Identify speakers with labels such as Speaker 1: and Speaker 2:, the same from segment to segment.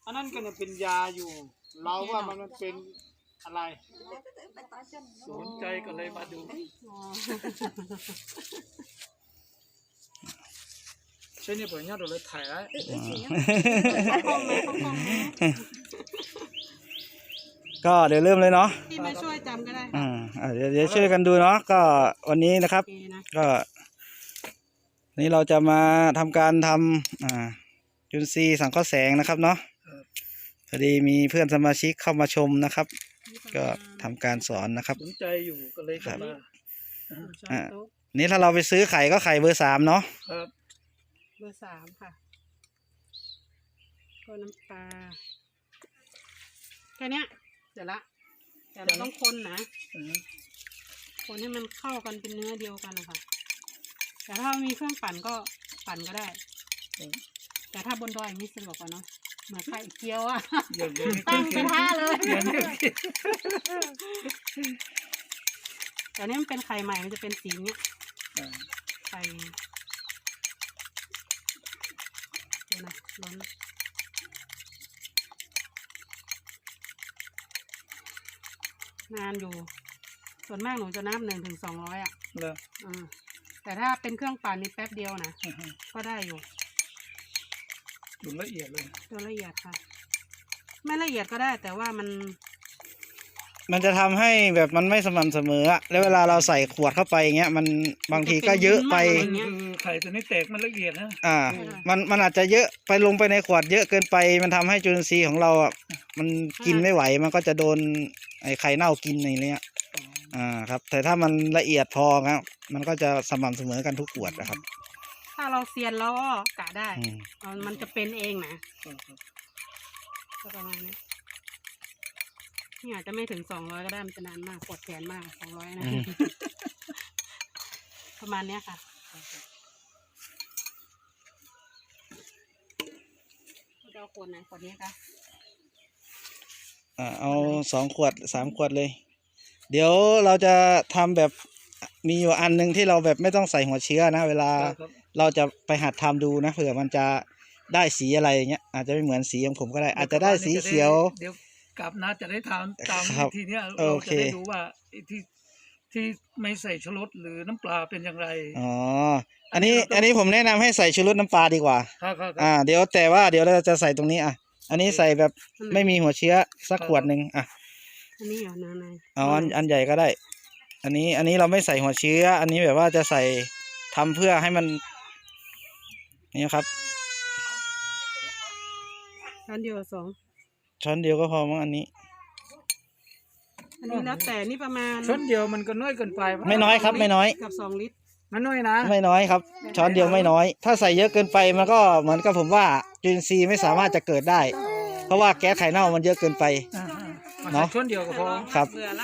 Speaker 1: อันนั้นก็เนี่ยเป็นยาอยู่ เราว่ามันเป็นอะไรสนใจก็เลยมาดูใช่เนี่ยผมเนี่ยเราเลยถ่ายแล้ว
Speaker 2: ก็เดี๋ยวเริ่มเลยเนาะ
Speaker 3: ที่มาช่วยจำก็ได้
Speaker 2: เดี๋ยวช่วยกันดูเนาะก็วันนี้นะครับก็นี่เราจะมาทำการทำจุลทรีย์สังเคราะห์แสงนะครับเนาะพอดีมีเพื่อนสมาชิกเข้ามาชมนะครับก็ทำการสอนนะครับ
Speaker 1: สนใจอยู่ก็เลยเข้ามา
Speaker 2: นี่ถ้าเราไปซื้อไข่ก็ไข่เบอร์ 3เนาะ
Speaker 1: ครับ
Speaker 3: เบอร์ 3ค่ะก็น้ำปลาแค่นี้เสร็จละแต่เราต้องคนนะคนให้มันเข้ากันเป็นเนื้อเดียวกันนะคะแต่ถ้ามีเครื่องปั่นก็ปั่นก็ได้แต่ถ้าบนดอยอย่างนี้สะดวกกว่าเนาะเหมือนไข่เจียวอ่ะตั้งกระทะเลยแต่นี่มันเป็นไข่ใหม่มันจะเป็นสีเนี้ยไข่เดี๋ยวนะล้นนานอยู่ส่วนมากหนูจะนับ1 ถึง 200อ่ะแต่ถ้าเป็นเครื่องปั่นนี่แป๊บเดียวนะก็ได้อยู่
Speaker 1: ดูละเอียดเลย
Speaker 3: ดูละเอียดค่ะไม่ละเอียดก็ได้แต่ว่า
Speaker 2: มันจะทำให้แบบมันไม่สม่ำเสมออะแล้วเวลาเราใส่ขวดเข้าไปอย่างเงี้ยมันบางทีก็เยอะไป
Speaker 1: ไข่ตัวนี้แตกมันละเอียดนะ
Speaker 2: มันอาจจะเยอะไปลงไปในขวดเยอะเกินไปมันทำให้จุลินทรีย์ของเราอ่ะมันกินไม่ไหวมันก็จะโดนไอ้ไข่เน่ากินอะไรเงี้ยครับแต่ถ้ามันละเอียดพอครับมันก็จะสม่ำเสมอกันทุกขวดนะครับ
Speaker 3: ถ้าเราเซียนแล้วก็กะได้มันจะเป็นเองนะก็ประมาณนี้นี่อาจจะไม่ถึง200ก็ได้มันจะนานมากปวดแขนมาก200นะประมาณนี้ค่ะเราขวดไหนขวดนี้คะ
Speaker 2: เอา2 ขวด 3 ขวดเลยเดี๋ยวเราจะทำแบบมีอยู่อันนึงที่เราแบบไม่ต้องใส่หัวเชื้อนะเวลาเราจะไปหัดทำดูนะเผื่อมันจะได้สีอะไรอย่างเงี้ยอาจจะไม่เหมือนสีของผมก็ได้อาจจะได้สีเขียว
Speaker 1: เดี๋ยวกลับนะจะได้ทำตามทีเนี้ยเราจะได้ดูว่าที่ไม่ใส่ชูรสหรือน้ำปลาเป็นอย่างไร
Speaker 2: อันนี้ผมแนะนำให้ใส่ชูรสน้ำปลาดีกว่าเดี๋ยวแต่ว่าเดี๋ยวเราจะใส่ตรงนี้อันนี้ใส่แบบไม่มีหัวเชื้อสักขวดหนึ่ง
Speaker 3: อันนี้เอาน้ำไหน
Speaker 2: อันใหญ่ก็ได้อันนี้เราไม่ใส่หัวเชื้ออันนี้แบบว่าจะใส่ทำเพื่อให้มันนี่ครับ
Speaker 3: ช้อนเดียว2
Speaker 2: ช้อนเดียวก็พอมั้งอันนี้
Speaker 3: แล้วแต่นี่ประมาณ
Speaker 1: ช้อนเดียวมันก็น้อยเกินไป
Speaker 2: ไม่น้อยครับไม่น้อย
Speaker 3: กับ2 ลิตร
Speaker 1: มันน้อยนะ
Speaker 2: ไม่น้อยครับช้อนเดียวไม่น้อยถ้าใส่เยอะเกินไปมันก็เหมือนกับผมว่าจุลินทรีย์ไม่สามารถจะเกิดได้เพราะว่าแก๊สไข่เน่ามันเยอะเกินไป
Speaker 1: เนาะช้อนเดียวก็พอ
Speaker 2: ครับ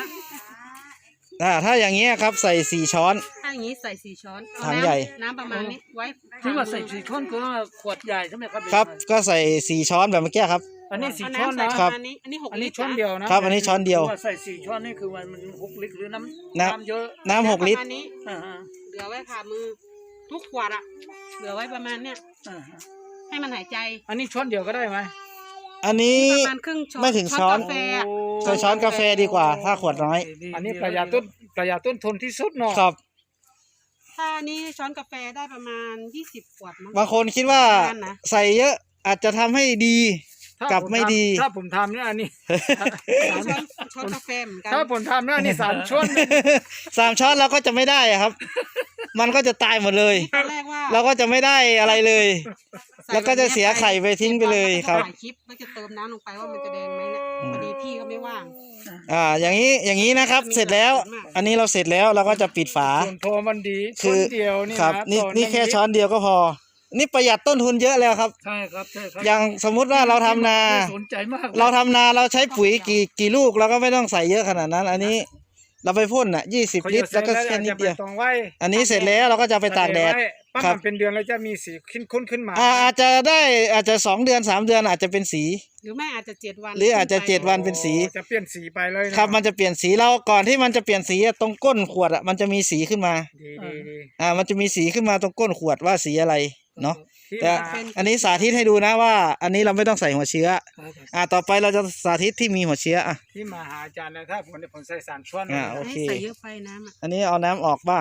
Speaker 2: ถ้าอย่างเงี้ยครับใส่4 ช้อน
Speaker 3: ถ้าอย่างนี้ใส่4 ช้อน
Speaker 2: ถังใหญ่
Speaker 3: น้ำประมาณนี้ไว้
Speaker 1: ที่ว่าใส่4 ช้อนก็ขวดใหญ่ใช่ไหมครับ
Speaker 2: ครับก็ใส่4 ช้อนแบบเมื่อกี้ครับ
Speaker 1: อันนี้4 ช้อน
Speaker 2: นะครับ
Speaker 3: อันนี้
Speaker 1: 6 ลิตรช้อนเดียว
Speaker 2: นะครับอันนี้ช้อนเดียว
Speaker 1: ใส่4 ช้อนนี่คือมัน6 ลิตรหรือน้ำเยอะ
Speaker 2: น้ำ6 ลิตร
Speaker 3: เหลือไว้ผ่ามือทุกขวดเหลือไว้ประมาณเนี้ยให้มันหายใจ
Speaker 1: อันนี้ช้อนเดียวก็ได้ไหม
Speaker 2: อันนี้ไม่ถึงช้อนใส่ช้อนกาแฟดีกว่าถ้าขวดน้อย
Speaker 1: อันนี้ประหยัดต้นทุนที่สุดเนาะ
Speaker 2: ครับ
Speaker 3: ถ้านี้ช้อนกาแฟได้ประมาณ20 ขวดมั้ง
Speaker 2: บางคนคิดว่าใส่เยอะอาจจะทำให้ดีกับไม่ดี
Speaker 1: ถ้าผมทำเนี่ยอันนี้
Speaker 3: ช้อนกาแฟเหมือนกัน
Speaker 1: ถ้าผมทำเนี่ยอันนี้3 ช้อน
Speaker 2: 3 ช้อนเราก็จะไม่ได้ครับมันก็จะตายหมดเลยเราก็จะไม่ได้อะไรเลยแล้วก็จะเสียไข่ไปทิ้งไปเลยครับ
Speaker 3: ถ่ายคลิปแล้วจะเติมน้ำลงไปว่ามันจะแดงไหมเนี่ยพอดีพี่ก็ไม่ว่าง
Speaker 2: อย่างนี้นะครับเสร็จแล้วอันนี้เราเสร็จแล้วเราก็จะปิดฝา
Speaker 1: พอมันดีช้อนเดียวนี่
Speaker 2: ครับนี่แค่ช้อนเดียวก็พอนี่ประหยัดต้นทุนเยอะแล้วครับ
Speaker 1: ใช่ครับ
Speaker 2: อย่างสมมุติว่าเราทำนาเราใช้ปุ๋ยกี่ลูกเราก็ไม่ต้องใส่เยอะขนาดนั้นอันนี้เราไปพ่น20 ลิตรแล้วก็แค่นิดเดียวอันนี้เสร็จแล้วเราก็จะไปตากแดด
Speaker 1: ครับเป็นเดือนแล้วจะมีสีขึ้นมา
Speaker 2: อาจจะ2 เดือน 3 เดือนอาจจะเป็นสี
Speaker 3: หรือไม่อาจจะ7 วัน
Speaker 2: หรืออาจจะ7 วันเป็นสี
Speaker 1: จะเปลี่ยนสีไปเลย
Speaker 2: ครับมันจะเปลี่ยนสีเราก่อนที่มันจะเปลี่ยนสีตรงก้นขวดมันจะมีสีขึ้นมา
Speaker 1: ดี
Speaker 2: มันจะมีสีขึ้นมาตรงก้นขวดว่าสีอะไรเนาะ
Speaker 4: ที่
Speaker 2: แต่
Speaker 4: มา
Speaker 2: อันนี้สาธิตให้ดูนะว่า อันนี้เราไม่ต้องใส่หัวเชื้อ
Speaker 1: ครับ
Speaker 2: ต่อไปเราจะสาธิตที่มีหัวเชื้อ
Speaker 4: ที่มาหาอาจารย์นะถ้าผมใส่สารชวน
Speaker 2: โอเค
Speaker 3: ให้ใส่เยอะไปน้ำอ่ะ
Speaker 2: อันนี้เอาน้ำออกบ้าง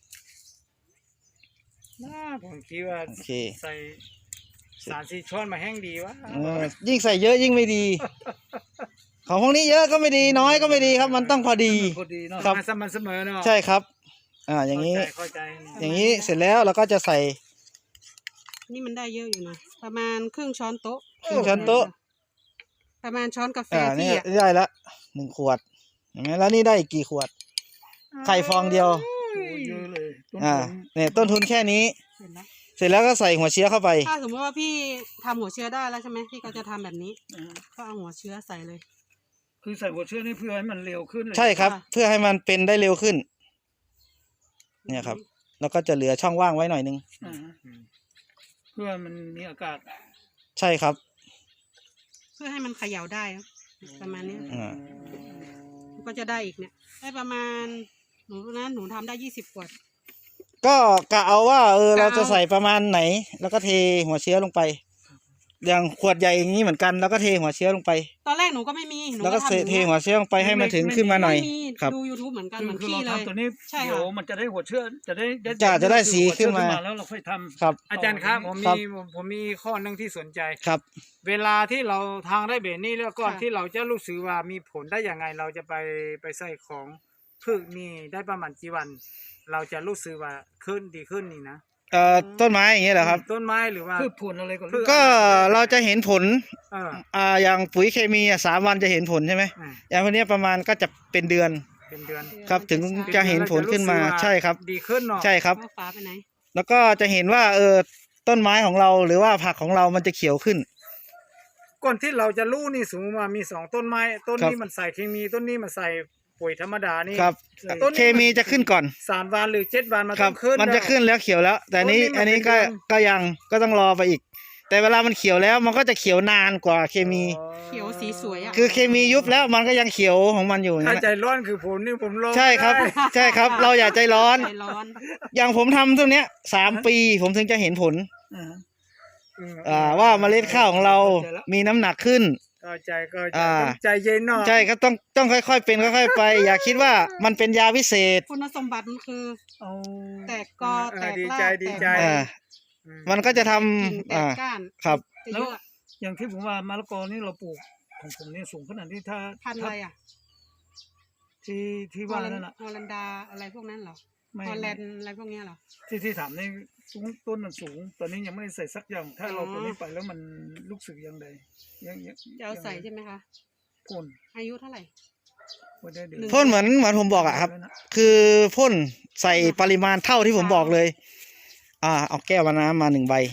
Speaker 4: ผมคิดว่า
Speaker 2: โอเค
Speaker 4: ใส่สารสีชวนมาแห้งดีวะ
Speaker 2: ยิ่งใส่เยอะยิ่งไม่ดี ของพวกนี้เยอะก็ไม่ดีน้อยก็ไม่ดีครับ มันต้องพอดี
Speaker 1: พอดีเนาะ
Speaker 2: ครับ
Speaker 4: สม่ำเสมอเนาะ
Speaker 2: ใช่ครับ อย่างนี้
Speaker 4: เข้าใจ
Speaker 2: อย่างนี้เสร็จแล้วเราก็จะใส่
Speaker 3: นี่มันได้เยอะอยู่นะประมาณครึ่งช้อนโต๊ะ
Speaker 2: ครึ่งช้อนโต๊ะ
Speaker 3: ประมาณช้อนกาแฟ
Speaker 2: นี่
Speaker 3: ที่อ่ะ
Speaker 2: ได้ละ1 ขวดเห็นไหมแล้วนี่ได้อีกกี่ขวด ไข่ฟองเดียว
Speaker 1: โอ้เยอะเลยต้น
Speaker 2: เนี่ยต้นทุนแค่นี้
Speaker 3: เสร็จแล้ว
Speaker 2: เสร็จแล้วก็ใส่หัวเชื้อเข้าไป
Speaker 3: ถ้าสมมติว่าพี่ทำหัวเชื้อได้แล้วใช่ไหมพี่ก็จะทำแบบนี้
Speaker 1: อ่า
Speaker 3: ก็เอาหัวเชื้อใส่เลย
Speaker 1: คือใส่หัวเชื้อนี่เพื่อให้มันเร็วขึ้นเลย
Speaker 2: ใช่ครับ
Speaker 3: ค่ะ
Speaker 2: เพื่อให้มันเป็นได้เร็วขึ้น เนี่ยครับ แล้วก็จะเหลือช่องว่างไว้หน่อยนึง
Speaker 1: อ่าเพื่อมันมีอากาศ
Speaker 2: ใช่ครับ
Speaker 3: เพื่อให้มันเขย่าได้นะประมาณนี้
Speaker 2: อ่า
Speaker 3: ก็จะได้อีกเนี่ยได้ประมาณหนูทำได้20 ขวด
Speaker 2: ก็กะเอาว่าเรา
Speaker 3: กะเอา
Speaker 2: จะใส่ประมาณไหน แล้วก็เทหัวเชื้อลงไป อย่างขวดใหญ่อย่างนี้เหมือนกัน แล้วก็เทหัวเชื้อลงไป
Speaker 3: ตอนแรกหนูก็ไม่มีหนู
Speaker 2: แล้วก็
Speaker 3: ทำอย่าง
Speaker 2: เท
Speaker 3: นี้ย
Speaker 2: หัวเชื้อลงไปให้มันถึงขึ้นมาหน่อย
Speaker 3: ไม่มี
Speaker 2: ครับ
Speaker 3: ดู YouTube เหมือนกัน
Speaker 1: คือ
Speaker 3: เหมือน
Speaker 1: คือ
Speaker 3: พี่
Speaker 1: เรา
Speaker 3: เลย
Speaker 1: ทำตัวนี้
Speaker 3: ใช่ค่ะ
Speaker 1: เดี๋ยวมันจะได้หัวเชื้อจะได้
Speaker 2: จะได้สีขึ้นมา
Speaker 1: แล้วเราค่อยทำ
Speaker 2: ครับ
Speaker 4: อาจารย์ครับผม
Speaker 2: ครั
Speaker 4: มี
Speaker 2: บ
Speaker 4: ผมมีข้อหนึงที่สนใจ
Speaker 2: ครับ
Speaker 4: เวลาที่เราทางได้เบนนี่แล้วก่อน
Speaker 3: ค่ะ
Speaker 4: ที่เราจะรู้สึกว่ามีผลได้ยังไงเราจะไปใส่ของพืชนี่ได้ประมาณกี่วัน เราจะรู้สึกว่าขึ้นดีขึ้นนี่นะ
Speaker 2: ต้นไม้อย่างเงี้ยเหรอครับ
Speaker 4: ต้นไม้หรือว่า
Speaker 1: พืชผลอะไรก็
Speaker 4: พืช
Speaker 2: ก็เราจะเห็นผล
Speaker 4: เออ
Speaker 2: อย่างปุ๋ยเคมี3 วันจะเห็นผลใช่ไหม
Speaker 4: อ่า
Speaker 2: อย่างพวกเนี้ยประมาณก็จะเป็นเดือน
Speaker 4: เป็นเดือน
Speaker 2: ครับ ถึงจะเห็นผลขึ้นมา
Speaker 4: เราจะรู้สึกว่
Speaker 2: ใช่ครับ
Speaker 4: ดีขึ้นเนาะ
Speaker 2: ใช่ครับ
Speaker 3: เอาฝาไปไหน
Speaker 2: แล้วก็จะเห็นว่าต้นไม้ของเราหรือว่าผักของเรามันจะเขียวขึ้น
Speaker 4: ก่อนที่เราจะรู้นี่สมมติว่ามี2 ต้นไม้ต้น
Speaker 2: ครับ
Speaker 4: นี้มันใส่เคมีต้นนี้มันใส่ปุ๋ยธรรมดานี่
Speaker 2: ครับ
Speaker 4: ต้นนี้
Speaker 2: เคมีจะขึ้นก่อน
Speaker 4: 3 วันหรือ7 วันมัน
Speaker 2: ครั
Speaker 4: ต้องขึ้น
Speaker 2: มันจะขึ้นแล้วเขียวแล้ว แต่อันนี้
Speaker 4: ต้นนี้มัน
Speaker 2: อันนี้ก็
Speaker 4: เป็นเดือน
Speaker 2: ก็ยังก็ต้องรอไปอีก แต่เวลามันเขียวแล้วมันก็จะเขียวนานกว่าเคมี
Speaker 3: เขียวสีสวยอ่ะ
Speaker 2: คือเคมียุบแล้วมันก็ยังเขียวของมันอยู่
Speaker 4: ถ้า
Speaker 2: นะ
Speaker 4: ใจร้อนคือผมนี่ผมร้อน
Speaker 2: ใช่ครับ
Speaker 4: ได้
Speaker 2: ใช่ครับ เราอย่าใจร้อน
Speaker 3: ใจร้อน
Speaker 2: อย่างผมทำตัวเนี้ย3 ปีผมถึงจะเห็นผล ว่าเมล็ดข้าวของเรามีน้ำหนักขึ้น
Speaker 4: ก็ใจก็
Speaker 2: อ่า
Speaker 4: ต้องใจเย็นเนาะ
Speaker 2: ใช่ก็ต้องค่อยๆเป็นค่อยๆไป อย่าคิดว่ามันเป็นยาวิเศษ
Speaker 3: คุณสมบัติมันคือ
Speaker 1: เอา
Speaker 3: แตกกอแตก
Speaker 4: ดี
Speaker 3: ราก
Speaker 4: ใจ
Speaker 3: แต
Speaker 4: ดี
Speaker 3: ก
Speaker 4: ใจ
Speaker 2: อ่า
Speaker 4: อืม
Speaker 2: มันก็จะท
Speaker 3: กิ่ง
Speaker 2: ำ
Speaker 3: แตกก้าน
Speaker 2: ครับ
Speaker 3: จะเยอะ
Speaker 1: อย่างที่ผมว่ามะละกอนี่เราปลูกของผมนี่สูงขนาดที่ถ้า
Speaker 3: พันธุ์อะไรอ่ะ
Speaker 1: ที่ว่านั่นน่ะ
Speaker 3: ฮอลันดาอะไรพวกนั้นเหรอ
Speaker 1: ไม่
Speaker 3: ฮอลแลนด์อะไรพวกเนี้ยเหรอ
Speaker 1: ที่ถามในสูงต้นมันสูง ตอนนี้ยังไม่ได้ใส่สักอย่าง ถ้าเรา
Speaker 3: อ๋อ
Speaker 1: ตัวนี้ไปแล้วมันลูกสึกยังไงยัง
Speaker 3: จะเอาใส่ใช่ไหมคะ
Speaker 1: พ่น
Speaker 3: อายุเท่าไหร่
Speaker 1: ไว้ได้เดือน
Speaker 2: พ่นเหมือนผมบอกอะครับ คือพ่นใส่ปริมาณเท่าที่ผมบอกเลย เอาแก้วน้ำมา1 ใบ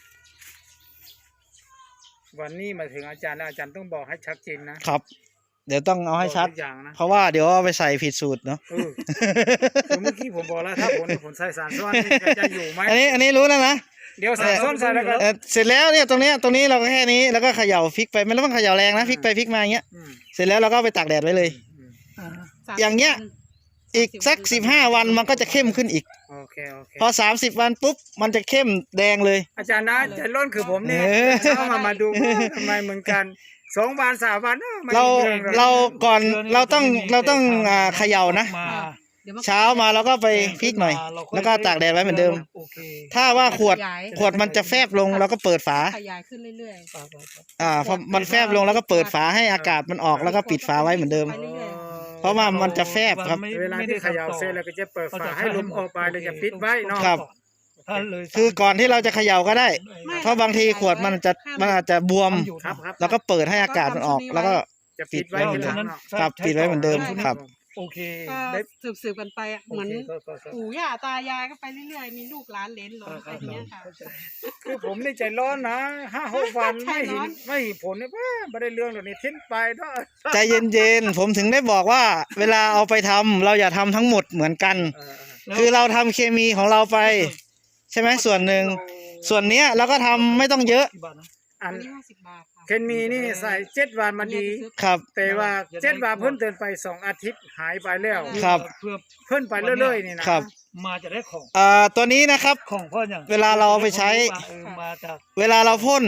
Speaker 4: วันนี้มาถึงอาจารย์แล้วอาจารย์ต้องบอกให้ชัดเจนนะ
Speaker 2: ครับ เดี๋ยวต้องเอาให้ชัด
Speaker 4: บอกทุกอย่างนะ
Speaker 2: เพราะว่าเดี๋ยวเอาไปใส่ผิดสูตรเนาะ
Speaker 4: คือเมื่อกี้ผมบอกแล้วถ้าผมใส่สารส้วนนี่จะอยู่ไหม
Speaker 2: อันนี้รู้แล้วนะ
Speaker 4: เดี๋ยวสารส้วนใส่แล้วก็
Speaker 2: เสร็จแล้วเนี่ยตรงนี้เราก็แค่นี้แล้วก็เขย่าพลิกไปไม่ต้องเขย่าแรงนะพลิกไปพลิกมาอย่างเงี้ย
Speaker 4: อืม
Speaker 2: เสร็จแล้วเราก็เอาไปตากแดดไว้เลย
Speaker 1: อ่า
Speaker 2: อย่างเงี้ย อีกสัก15 วันมันก็จะเข้มขึ้นอีก
Speaker 4: โอเค
Speaker 2: พอ30 วันปุ๊บมันจะเข้มแดงเลย
Speaker 4: อาจารย์นะใจร้อนคือผมเนี่ย
Speaker 2: เออ
Speaker 4: เข้ามาดูทำไมเหมือนกัน2 วัน3 วันไม่
Speaker 2: เรา
Speaker 4: มีองลย
Speaker 2: เราก่อนเราต้องเขย่านะ
Speaker 1: มา
Speaker 3: เดี๋ยว
Speaker 2: เช้ามาเราก็ไปพลิกหน่อย แล้วก็ตากแดดไว้เหมือนเดิม
Speaker 1: โอเค
Speaker 2: ถ้าว่าขวดมันจะแฟบลงเราก็เปิดฝา
Speaker 3: ขยายขึ้นเรื่อย
Speaker 2: พอมันแฟบลงแล้วก็เปิดฝาให้อากาศมันออกแล้วก็ปิดฝาไว้เหมือนเดิม
Speaker 3: ไปเรื่อย
Speaker 2: เพราะว่ามันจะแฟบครับ
Speaker 4: เวลาที่เขย่าเสร็จแล้วก็จะเปิดฝาให้ลมออกไปเลยจะปิดไว้เนาะ
Speaker 2: ครับ
Speaker 1: ถ้าเลย
Speaker 2: คือก่อนที่เราจะเขย่าก็ได้
Speaker 3: ไม่
Speaker 2: เพราะบางทีขวดมันอาจจะบวม
Speaker 4: ครับ
Speaker 2: แล้วก็เปิดให้อากาศมันออก แล้วก็
Speaker 4: จะปิดไว้ทีหลังเนาะ
Speaker 2: ครับปิดไว้เหมือนเดิมครับ
Speaker 1: โอเค
Speaker 3: ๆก็
Speaker 1: ได้
Speaker 3: สืบกันไปอะเหมือน
Speaker 1: โคก็
Speaker 3: ปู่ย่าตายายก็ไปเรื่อยๆมีลูกหลานเหลนหลนไปอย่างเงี้ยค่ะ
Speaker 4: คือผมนี่ใจร้อนนะ5-6 วัน
Speaker 3: ใจร้อน
Speaker 4: ไม่เห็นผลเนี่ยไม่ได้เรื่องหรอกนี่ทิ้งไปเนาะ
Speaker 2: ใจเย็นๆผมถึงได้บอกว่า เวลาเอาไปทำเราอย่าทำทั้งหมดเหมือนกัน คือเราทำเคมีของเราไป ใช่ไหมส่วนหนึ่งส่วนเนี้ยเราก็ทำไม่ต้องเยอะ
Speaker 1: กี่บาทนะ
Speaker 4: อั
Speaker 3: อั
Speaker 4: น
Speaker 3: นนี้50 บาทค่ะ
Speaker 4: เคนมีนี่ใส่7 วันมันดี
Speaker 2: ครับ
Speaker 4: แต่ว่า7 วันเพิ่นเดินไป2 อาทิตย์หายไปแล้ว
Speaker 2: ครับ
Speaker 1: เพื่อ
Speaker 4: เพิ่นไปเรื่อยๆนี่นะครับ
Speaker 1: มาจะได้ของ
Speaker 2: ตัวนี้นะครับ
Speaker 1: ของพ่ออย่าง
Speaker 2: เวลาเราเอาไปใช้
Speaker 1: มาจาก
Speaker 2: เวลาเราพ่น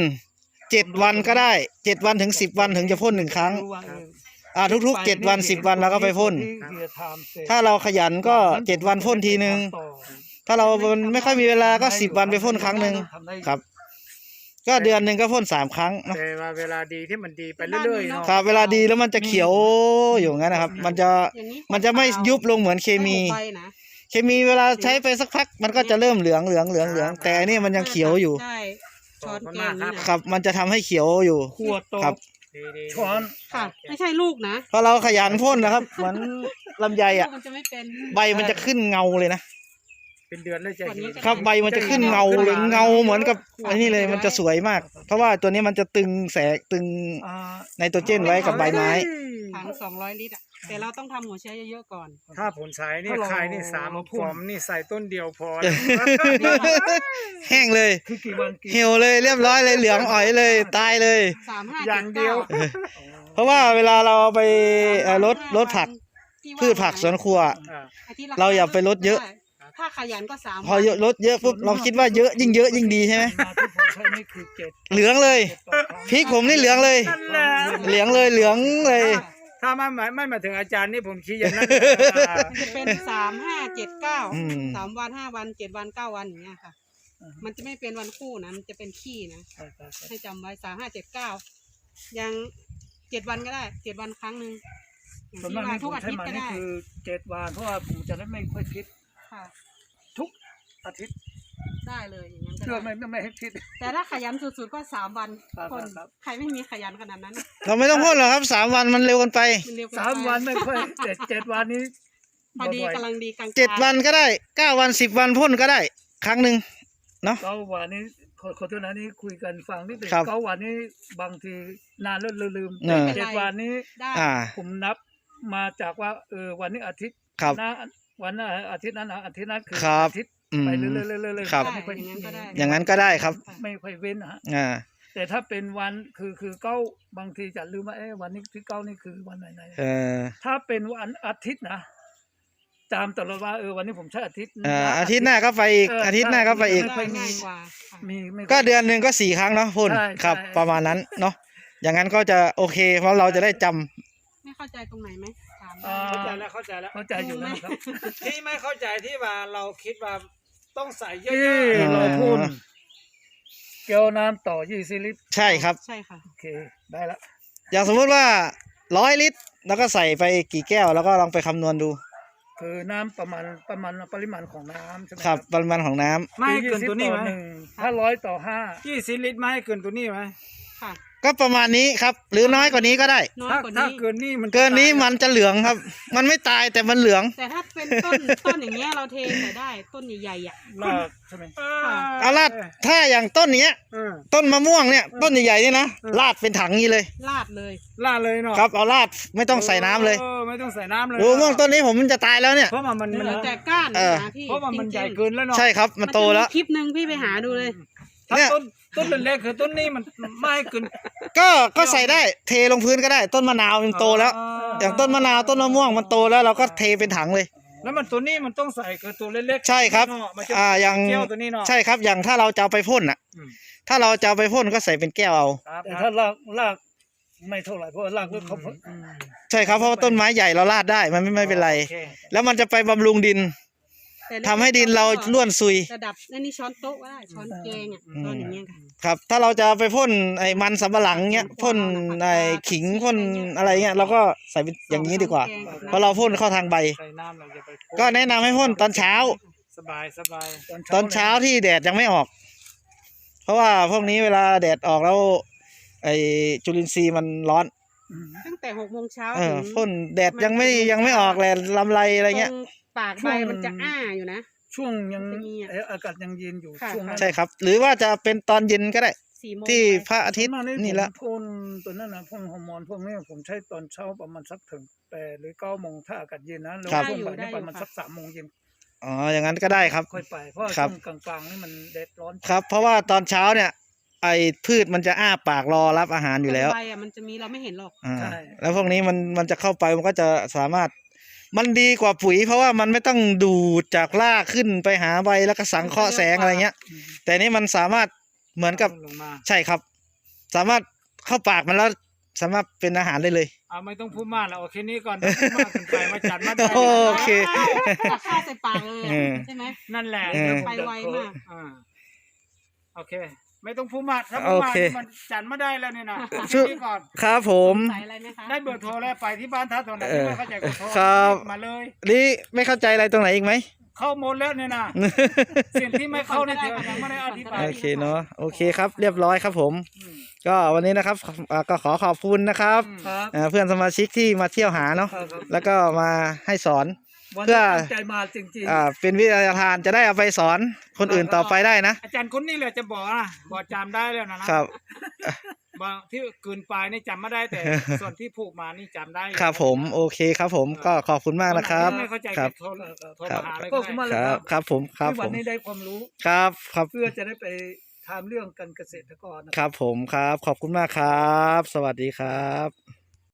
Speaker 2: 7 วันก็ได้7 วันถึง10 วันถึงจะพ่น1 ครั้ง ทุกๆ7 วัน10 วันเราก็ไปพ่นถ้าเราขยันก็7 วันพ่นทีนึงถ้าเราไม่ค่อยมีเวลาก็10 วันไปพ่นครั้งหนึ่งครับ ก็เดือนหนึ่งก็พ่น3 ครั้งเนาะ
Speaker 4: แต่ว่าเวลาดีที่มันดีไปเรื่อยๆเนาะ
Speaker 2: ครับเวลาดีแล้วมันจะเขียวอยู่งั้นนะครับ มันจะไม่ยุบลงเหมือนเคมี
Speaker 3: ไปนะ
Speaker 2: เคมีเวลาใช้ไปสักพักมันก็จะเริ่มเหลืองแต่อันนี้มันยังเขียวอยู่
Speaker 3: ใช่ช้อนแกงนี่นะครับ
Speaker 2: มันจะทำให้เขียวอยู่
Speaker 1: ขวดโต
Speaker 2: ครับ
Speaker 4: ดีๆ
Speaker 1: ช้อน
Speaker 3: ค่ะ ไม่ใช่ลูกนะ
Speaker 2: เพราะเราขยันพ่นนะครับ เหมือนลำไย
Speaker 3: ลู
Speaker 2: อ่ะ
Speaker 3: กมันจะไม่เป็น
Speaker 2: ใบมันจะขึ้นเงาเลยนะ
Speaker 4: เป็นเดือนเลยจะเห็น
Speaker 2: ครับใบมันจะขึ้นเงาเลยเงาเหมือนกับอันนี้เลยมันจะสวยมาก เพราะว่าตัวนี้มันจะตึงตึง
Speaker 1: อ่า
Speaker 2: ไนโตรเจนไว้กับใบไม้
Speaker 3: ถัง200 ลิตรอ่ะแต่เราต้องทำหัวเชื้อเยอะๆก่อน
Speaker 4: ถ้าผลใช้นี่ขายนี่3 ฟอมนี่ใส่ต้นเดียวพอ
Speaker 2: แห้งเลย
Speaker 1: คือกี่วันกี่
Speaker 2: เหี่ยวเลยเรียบร้อยเลยเหลืองอ๋อยเลยตายเลย
Speaker 4: อย่างเดียว
Speaker 2: เพราะว่าเวลาเราเอาไปลดผักพืชผักสวนครัว เราอย่าไปลดเยอะ
Speaker 3: ถ้าขยันก็3
Speaker 2: พอลดเยอะปุ๊บเราคิดว่าเยอะยิ่งดีใช่ไหม
Speaker 1: มาที่ผมใช้นี่คือ7
Speaker 2: เหลืองเลยพริกผมนี่เหลืองเลย
Speaker 4: นั่นแหละ
Speaker 2: เหลืองเลย
Speaker 4: ถ้าไม่มาถึงอาจารย์นี่ผมคิดอย่างนั้น
Speaker 3: มันจะเป็น3 5 7 9 3 วัน5 วัน7 วัน9 วันอย่างเงี้ยค่ะ มันจะไม่เป็นวันคู่นะมันจะเป็นขี้นะให้จำไว้3 5 7 9ยัง7 วันก็ได้7 วันครั้งหนึ่ง
Speaker 1: ส่วนมากนี่
Speaker 3: ทุ
Speaker 1: ผ
Speaker 3: ก
Speaker 1: ม
Speaker 3: อา
Speaker 1: ใช้
Speaker 3: ทิตย์
Speaker 1: มา
Speaker 3: ก็
Speaker 1: นี่
Speaker 3: ได้
Speaker 1: คือ7 วันเพราะว่าผมจะได้ไม่ค่อยคิด
Speaker 3: ค่ะ
Speaker 1: ทุกอาทิตย์
Speaker 3: ได้เลยอย่างนั้นก็
Speaker 1: เพื่อ
Speaker 3: ได้
Speaker 1: ไม่ให้คิด
Speaker 3: แต่ถ้าขยันสุดๆก็3 วัน
Speaker 1: ครับ
Speaker 3: คน
Speaker 1: ครับ
Speaker 3: ใครไม่มีขยันขนาดนั้น
Speaker 2: เราไม่ต้องพ่นหรอกครับ3 วันมันเร็วเกันไป
Speaker 3: มันเร็วเกินไป
Speaker 1: 3 วันไม่ค่อย7 วันนี้
Speaker 3: พอดี
Speaker 1: บ่อยๆ
Speaker 3: กำลังดีกลางๆ
Speaker 2: 7 วันก็ได้9 วัน10 วันพ่นก็ได้ครั้งหนึ่ง
Speaker 1: 9 วันนี้ขอโทษนะนี่คุยกันฟังนิดหนึง
Speaker 2: ครับ
Speaker 1: 9 วันนี้บางทีนานแล้วลืม
Speaker 2: เออ
Speaker 1: 7 วันนี้
Speaker 3: ได้
Speaker 2: อ่า
Speaker 1: ผมนับมาจากว่าวันนี้อาทิตย์
Speaker 2: ครับ
Speaker 1: นะวันนั้นอาทิตย์นั้นอาทิตย์นั้นคือ
Speaker 2: ครับ
Speaker 1: อาทิตย์
Speaker 2: อืม
Speaker 1: ไปเรื่อยๆ
Speaker 2: ครับ
Speaker 1: ไม่ค่อย
Speaker 3: อย่างนั้นก็ได้
Speaker 2: อย่างนั้นก็ได้ครับ
Speaker 1: ไม่ค่อยเว้นนะฮะ
Speaker 2: อ่า
Speaker 1: แต่ถ้าเป็นวันคือเก้าบางทีจะลืมว่าวันนี้ที่9นี่คือวันไหน
Speaker 2: เออ
Speaker 1: ถ้าเป็นวันอาทิตย์นะจำตลอดว่าวันนี้ผมใช้อาทิตย์
Speaker 2: อาทิตย์หน้าก็ไปอีกอาทิตย์หน้าก็ไปอีก
Speaker 3: ได้ง่ายกว่าค่ะ
Speaker 1: มีไม่ค่ย
Speaker 2: ก็เดือนหนึ่งก็4 ครั้งเนาะพ่น
Speaker 1: ใช่
Speaker 2: ครับ
Speaker 1: ใช่
Speaker 2: ประมาณนั้นเนาะอย่างนั้นก็จะโอเคเพราะเราจะได้จำ
Speaker 3: ไม่เข้าใจตรงไหนไหมถาม
Speaker 1: อ่า
Speaker 4: เข้าใจแล้วเข้าใจแล้ว
Speaker 1: เข้าใจอยู่นะครับ
Speaker 4: ที่ไม่เข้าใจที่ว่าเราคิดว่าต้องใส่เยอะ
Speaker 1: ที่
Speaker 4: ๆ
Speaker 1: เราพ่นแก้วน้ำต่อ20 ลิตร
Speaker 2: ใช่ครับ
Speaker 3: ใช่ค่ะ
Speaker 1: โอเคได้ละ
Speaker 2: อย่างสมมุติว่า100 ลิตร แล้วก็ใส่ไปกี่แก้วแล้วก็ลองไปคำนวณดู
Speaker 1: คือน้ำประมาณปริมาณของน้ำใช่ไหม
Speaker 2: ครับปริมาณของน้ำ
Speaker 4: ไม่ให้เกินตัวนี้ไหม
Speaker 1: ถ้า100 ต่อ 5
Speaker 4: 20 ลิตรไม่ให้เกินตัวนี้ไหม
Speaker 3: ค่ะ
Speaker 2: ก็ประมาณนี้ครับ หรือน้อยกว่านี้ก็ได้
Speaker 3: น้อย
Speaker 4: ถ้าก
Speaker 3: ว่า
Speaker 4: ถ้า
Speaker 3: นี้
Speaker 4: เกินนี่มัน
Speaker 2: เกินนี้มันจะเหลืองครับ มันไม่ตายแต่มันเหลือง
Speaker 3: แต่ถ้าเป็นต้นอย่างเงี้ยเราเทใส่ได้ต้นใหญ่ๆอ่ะ
Speaker 1: ลากใช่ไหม
Speaker 2: เอาลาดถ้าอย่างต้นเนี้ย
Speaker 4: เออ
Speaker 2: ต้นมะม่วงเนี่ยต้นใหญ่ๆนี่นะลาดเป็นถังนี้เลย
Speaker 3: ลาดเลย
Speaker 4: ลาดเลยเนาะ
Speaker 2: ครับเอาลาดไม่ต้องใส่น้ำเลย
Speaker 4: ไม่ต้องใส่น้ำเลย
Speaker 2: ดูมะม่วงต้นนี้ผมมันจะตายแล้วเนี่ย
Speaker 4: เพราะว่ามัน
Speaker 3: เหลือแต่ก้าน
Speaker 2: เออ
Speaker 3: นะพี่
Speaker 4: เพราะว่ามัน
Speaker 3: จริงๆ
Speaker 4: ใหญ่เกินแล้วเนาะ
Speaker 2: ใช่ครับมันโตแล้ว
Speaker 3: จะมีคลิปหนึ่งพี่ไปหาดูเลย
Speaker 4: ถ้า
Speaker 2: เนี่ย
Speaker 4: ต้นเล็กๆคือต้นนี้มันไม่ให้เกิน
Speaker 2: ก็ใส่ได้เทลงพื้นก็ได้ ต้นมะนาวมันโตแล้ว อย่างต้นมะนาวต้นมะม่วงมันโตแล้วเราก็เทเป็นถังเลย
Speaker 4: แล้วมันตัวนี้มันต้องใส่คือตัวเล็กๆ
Speaker 2: ใช่ครับ
Speaker 4: เนาะมันจะ
Speaker 2: อย่าง
Speaker 4: เกี่ยวตัวนี้เนาะ
Speaker 2: ใช่ครับอย่างถ้าเราจะเอาไปพ่นอ่ะ
Speaker 4: อืม
Speaker 2: ถ้าเราจะเอาไปพ่นก็ใส่เป็นแก้วเอา
Speaker 4: ครับ
Speaker 1: แต่ถ้ารากไม่เท่าไหร่เพราะว่ารากเลือกเขา
Speaker 4: อืม
Speaker 2: ใช่ครับเพราะว่าต้นไม้ใหญ่เราลาดได้มันไม่เป็นไร
Speaker 4: โอเค
Speaker 2: แล้วมันจะไปบำรุงดิน
Speaker 3: แต่
Speaker 2: ทำให้ดินเราร่วนซุย
Speaker 3: ระดับนี่ช้อนโต๊ะก็ได้ช้อนแกงอ่ะช้อนอย่างเงี้ยค่ะ
Speaker 2: ครับ ถ้าเราจะไปพ่นไอ้มันสำปะหลังเงี้ยพ่นไอ้ขิงพ่นอะไรเงี้ยเราก็ใส่เป็นอย่างนี้ดีกว่า เพราะเราพ่นเข้าทางใบ
Speaker 4: ใส่น้ำเราจะไป
Speaker 2: ก็แนะนำให้พ่นตอนเช้า
Speaker 4: สบายสบาย
Speaker 2: ตอนเช้าที่แดดยังไม่ออก เพราะว่าพวกนี้เวลาแดดออกแล้ว ไอ้จุลินทรีย์มันร้อน
Speaker 3: ตั้งแต่6 โมงเช้า
Speaker 2: เอ
Speaker 3: ถึ
Speaker 2: อง พ่นแดดยังไม่ออกแหละลำไรอะไรเงี้ย
Speaker 3: ตรงปากใบมันจะอ้าอยู่นะ
Speaker 1: ช่วงยัง
Speaker 3: จะมีอ่ะ
Speaker 1: อากาศยังเย็นอยู่
Speaker 3: ค่ะ
Speaker 1: ช่วงนั้น
Speaker 2: ใช่ครับ หรือว่าจะเป็นตอนเย็นก็ได้
Speaker 3: 4 โมง
Speaker 2: ที่พ
Speaker 3: ไป
Speaker 2: ระอาทิตย์
Speaker 1: ส่วมก
Speaker 2: นี่ละ
Speaker 1: ผมพ่นตัวนั้นนะพ่นฮอร์โมนพวกนี้ผมใช้ตอนเช้าประมาณสักถึง8 หรือ 9 โมงถ้าอากาศเย็นนะแล้วพ่นไปนี่ประมาณสัก3 โมงเย็น
Speaker 2: อ๋ออย่างนั้นก็ได้ครับ
Speaker 1: ค่อยไปเพราะว่า
Speaker 2: ครับ
Speaker 1: ช่วงกลางๆนี่มันแดดร้อน
Speaker 2: ครับ เพราะว่าตอนเช้าเนี่ย ไอ้พืชมันจะอ้าปากรอรับอาหารอยู่แล้ว
Speaker 3: ใบอ่ะมันจะมีเราไม่เห็นหรอก
Speaker 2: อ่าแล้วพวกนี้มันจะเข้าไปมันก็จะสามารถมันดีกว่าปุ๋ย เพราะว่ามันไม่ต้องดูดจากรากขึ้นไปหาใบแล้วก็สังเคราะห์แสงอะไรเงี้ย แต่นี่มันสามารถเหมือนกับ
Speaker 4: ลงมา
Speaker 2: ใช่ครับ สามารถเข้าปากมันแล้วสามารถเป็นอาหารได้เลย
Speaker 4: ไม่ต้องพูดมากแล้วโอเคนี้ก่อนถ้าพูดมากเกินไปมาจัดมาได้
Speaker 2: โอเค
Speaker 3: ตักข้าวใส่ปากเลย
Speaker 2: เออ
Speaker 3: ใช่ไหม
Speaker 4: นั่นแหละ
Speaker 2: เออ
Speaker 3: ไปไวมาก
Speaker 4: อ่าโอเค ไม่ต้องพูดมากถ้าพูดมาก
Speaker 2: โอเค
Speaker 4: นี่มันจัดมาได้แล้วเนี่ยนะ
Speaker 2: ชื่อ
Speaker 4: นี่ก่อน
Speaker 2: ครับผม
Speaker 3: ใส่อะไรไหมคะ
Speaker 4: ได้เบอร์โทรแล้วไปที่บ้านท่าตัวไหน
Speaker 2: เออ
Speaker 4: ไม่เข้าใจก็โทร
Speaker 2: ครับ
Speaker 4: มาเลย
Speaker 2: นี่ไม่เข้าใจอะไรตรงไหนอีกไหม
Speaker 4: เข้าหมดแล้วเนี่ยนะสิ่งที่ไม่เข้าเนี่ยเธอยังไม่ได้อธิบาย
Speaker 2: โอเคเนาะโอเคครับ เรียบร้อยครับผม
Speaker 4: อืม
Speaker 2: ก็วันนี้นะครับก็ขอขอบคุณนะครับ
Speaker 1: ครับ
Speaker 2: เพื่อนสมาชิกที่มาเที่ยวหาเนาะ
Speaker 1: ครับ
Speaker 2: แล้วก็มาให้สอน
Speaker 1: วัน
Speaker 2: เพื่
Speaker 1: นี้
Speaker 2: อ
Speaker 1: ตั้งใจมาจริง
Speaker 2: เป็นวิทยาทานจะได้เอาไปสอนคนอื่นต่อไปได้นะ
Speaker 4: อาจารย์คนนี้แหละจะบอกนะบอกจำได้แล้วนะครับ บอกที่กลืนปลายนี่จำไม่ได้แต่ ส่วนที่ผูกมานี่จำได้
Speaker 2: ครับผมโอเคครับผมก็ขอบคุณมากนะครับ
Speaker 4: ไม่เข้าใจ
Speaker 2: ครับ
Speaker 4: โทรโทร
Speaker 2: ครับ
Speaker 4: มาหาเลย
Speaker 1: ก็
Speaker 4: ก็
Speaker 1: ขอบคุณมาก
Speaker 4: ได้
Speaker 1: เลย
Speaker 2: ครับครับผมครับ
Speaker 1: ที่
Speaker 2: ผ
Speaker 1: วัน
Speaker 2: ม
Speaker 1: นี้ได้ความรู้
Speaker 2: ครับครับ
Speaker 1: เพื่อจะได้ไปทำเรื่องการเกษตรกรนะ
Speaker 2: ครับผมครับขอบคุณมากครับ สวัสดีครับ